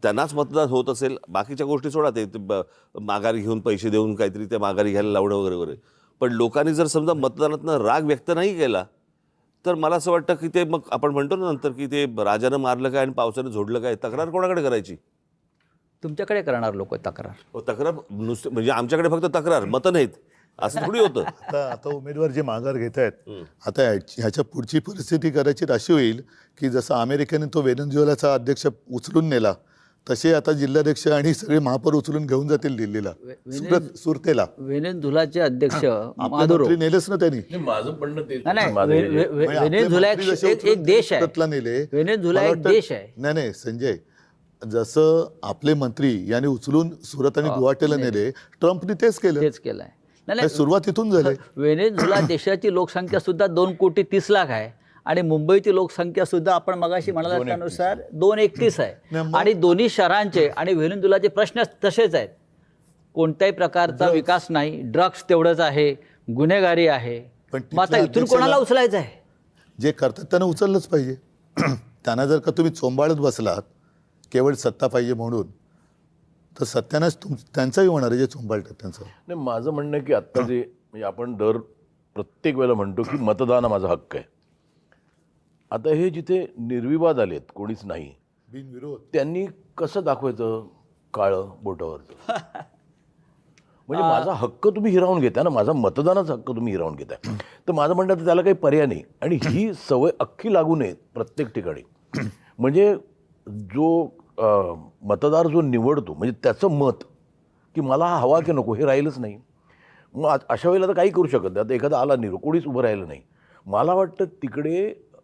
त्यांनाच मतदान होत असेल, बाकीच्या गोष्टी सोडा, ते माघारी घेऊन पैसे देऊन काहीतरी ते माघारी घ्यायला लावणं वगैरे वगैरे. पण लोकांनी जर समजा मतदानातनं राग व्यक्त नाही केला तर मला असं वाटतं की ते मग आपण म्हणतो ना नंतर की ते राजानं मारलं काय आणि पावसानं झोडलं काय, तक्रार कोणाकडे करायची? तुमच्याकडे करणार लोक तक्रार. तक्रार नुसतं म्हणजे आमच्याकडे फक्त तक्रार, मतं नाहीत असं थोडी होतं. आता उमेदवार जे माघार घेत आहेत, आता ह्याच्या पुढची परिस्थिती कदाचित अशी होईल की जसं अमेरिकेने तो व्हेनेझुएलाचा अध्यक्ष उचलून नेला, तसे आता जिल्हाध्यक्ष आणि सगळे महापौर उचलून घेऊन जातील दिल्लीला, सुरतेला. व्हेनेझुएलाचे अध्यक्ष आपले मादुरो. मंत्री नेलेच ना त्यांनी. माझं म्हणणं ते नाही, म्हणजे व्हेनेझुएला आपले मंत्री जसे एक देश आहे. सुरतला नेले. व्हेनेझुएला मला एक वाटतं- देश आहे. नाही संजय, जसं आपले मंत्री यांनी उचलून सुरत आणि गुवाहाटीला नेले, ट्रम्पने तेच केलं. तेच केलंय. हे सुरुवात इथून झाली. व्हेनेझुएला देशाची लोकसंख्या सुद्धा 2,30,00,000 आहे आणि मुंबईची लोकसंख्या सुद्धा आपण मगाशी म्हणाला त्यानुसार 231 आहे. आणि दोन्ही शहरांचे आणि व्हेनेझुएलाचे प्रश्न तसेच आहेत. कोणत्याही प्रकारचा विकास नाही, ड्रग्स तेवढंच आहे, गुन्हेगारी आहे. पण मग आता इथून कोणाला उचलायचं आहे? जे करतात त्यांना उचललंच पाहिजे. त्यांना जर का तुम्ही चोंबाळत बसलात केवळ सत्ता पाहिजे म्हणून, तर सत्यानाच त्यांचाही होणार आहे जे चोंबाळतात त्यांचं. नाही, माझं म्हणणं आहे की आत्ता जे म्हणजे आपण दर प्रत्येक वेळेला म्हणतो की मतदान हा माझा हक्क आहे. आता हे जिथे निर्विवाद आलेत, कोणीच नाही, बिनविरोध त्यांनी कसं दाखवायचं काळं बोटावरचं? म्हणजे माझा हक्क तुम्ही हिरावून घेताय ना, माझा मतदानाचा हक्क तुम्ही हिरावून घेताय. तर माझं म्हणणं तर त्याला काही पर्याय नाही. आणि ही सवय अख्खी लागू नये प्रत्येक ठिकाणी. म्हणजे जो मतदार जो निवडतो म्हणजे त्याचं मत की मला हा हवा की नको हे राहिलंच नाही. मग अशा वेळेला तर काही करू शकत नाही. आता एखादा आला निरो, कोणीच उभं राहिलं नाही. मला वाटतं तिकडे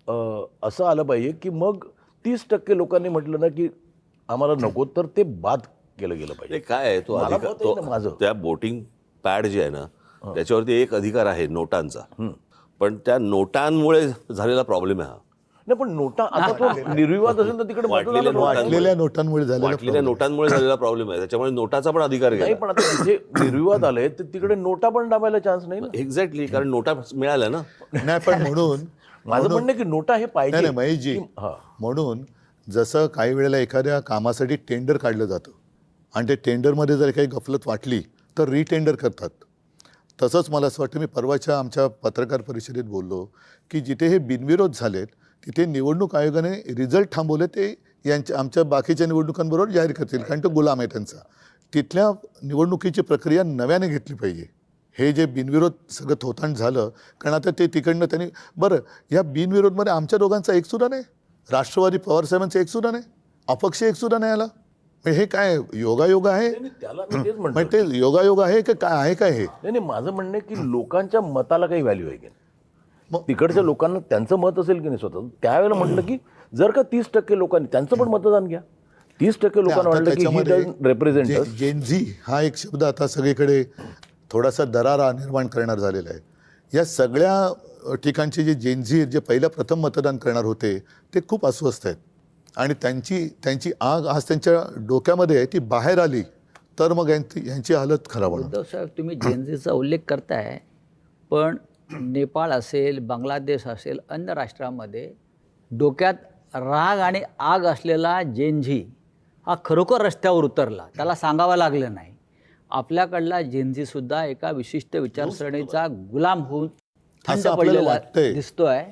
असं आलं पाहिजे की मग 30% लोकांनी म्हटलं ना की आम्हाला नको, तर ते बाद केलं गेलं पाहिजे. काय आहे तो मला अधिकार, मत आहे ना माझं. त्या वोटिंग पॅड जे आहे ना त्याच्यावरती एक अधिकार आहे नोटांचा. पण त्या नोटांमुळे झालेला प्रॉब्लेम आहे हा. नाही, पण नोटा आता तो निर्विवाद असेल तर तिकडे वाटलेल्या नोटांमुळे वाटलेल्या नोटांमुळे झालेला प्रॉब्लेम आहे. त्याच्यामुळे नोटाचा पण अधिकार नाही. घ्या. पण आता जिथे निर्विवाद आले तर तिकडे नोटा पण दाबायला चान्स नाही ना. एक्झॅक्टली, कारण नोटा मिळाल्या ना. नाही. पण म्हणून माझं म्हणणं की नोटा हे पाहिजे. नाही महेशजी, म्हणून जसं काही वेळेला एखाद्या कामासाठी टेंडर काढलं जातं आणि ते टेंडरमध्ये जर काही गफलत वाटली तर रिटेंडर करतात. तसंच मला असं वाटतं, मी परवाच्या आमच्या पत्रकार परिषदेत बोललो की जिथे हे बिनविरोध झालेत तिथे निवडणूक आयोगाने रिझल्ट थांबवले, ते आमच्या बाकीच्या निवडणुकांबरोबर जाहीर करतील, कारण तो गुलाम आहे त्यांचा. तिथल्या निवडणुकीची प्रक्रिया नव्याने घेतली पाहिजे. हे जे बिनविरोध सगळं थोतांड झालं, कारण आता ते तिकडनं त्यांनी बरं, या बिनविरोधमध्ये आमच्या दोघांचा एकसुद्धा नाही, राष्ट्रवादी पवारसाहेबांचा एकसुद्धा नाही, अपक्ष एकसुद्धा नाही आला. हे काय योगायोग आहे? त्याला मी तेच म्हणतो. म्हणजे ते योगायोग आहे की काय आहे? काय हे? नाही, माझं म्हणणं आहे की लोकांच्या मताला काही व्हॅल्यू आहे की नाही. मग तिकडच्या लोकांना त्यांचं मत असेल की नाही स्वतः, त्यावेळेला म्हटलं की जर का 30% लोकांनी त्यांचं पण मतदान घ्या. 30% लोकांना वाटलं की ही डझंट रिप्रेझेंट. जेनझी हा एक शब्द आता सगळीकडे थोडासा दरारा निर्माण करणार झालेला आहे. या सगळ्या ठिकाणचे जे जेनझी जे पहिल्या प्रथम मतदान करणार होते ते खूप अस्वस्थ आहेत आणि त्यांची आग आज त्यांच्या डोक्यामध्ये आहे, ती बाहेर आली तर मग यांची हालत खराब होणार. उद्धव साहेब, तुम्ही जेनझीचा उल्लेख करताय, पण नेपाळ असेल, बांगलादेश असेल, अन्य राष्ट्रामध्ये डोक्यात राग आणि आग असलेला जेनझी हा खरोखर रस्त्यावर उतरला, त्याला सांगावं लागलं नाही. आपल्याकडला जेनझीसुद्धा एका विशिष्ट विचारसरणीचा गुलाम होऊन थंड पडलेला दिसतोय.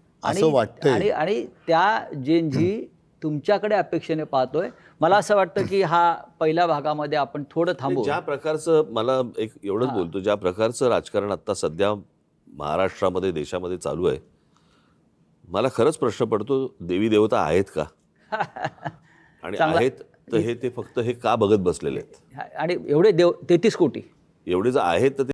आणि त्या जेनझी तुमच्याकडे अपेक्षेने पाहतोय. मला असं वाटतं की हा पहिल्या भागामध्ये आपण थोडं थांबू. ज्या प्रकारचं, मला एक एवढंच बोलतो, ज्या प्रकारचं राजकारण आता सध्या महाराष्ट्रामध्ये देशामध्ये चालू आहे, मला खरंच प्रश्न पडतो, देवी देवता आहेत का? आणि आहेत तर हे ते फक्त हे का बघत बसलेले आहेत? आणि एवढे 33 कोटी एवढे जर आहेत तर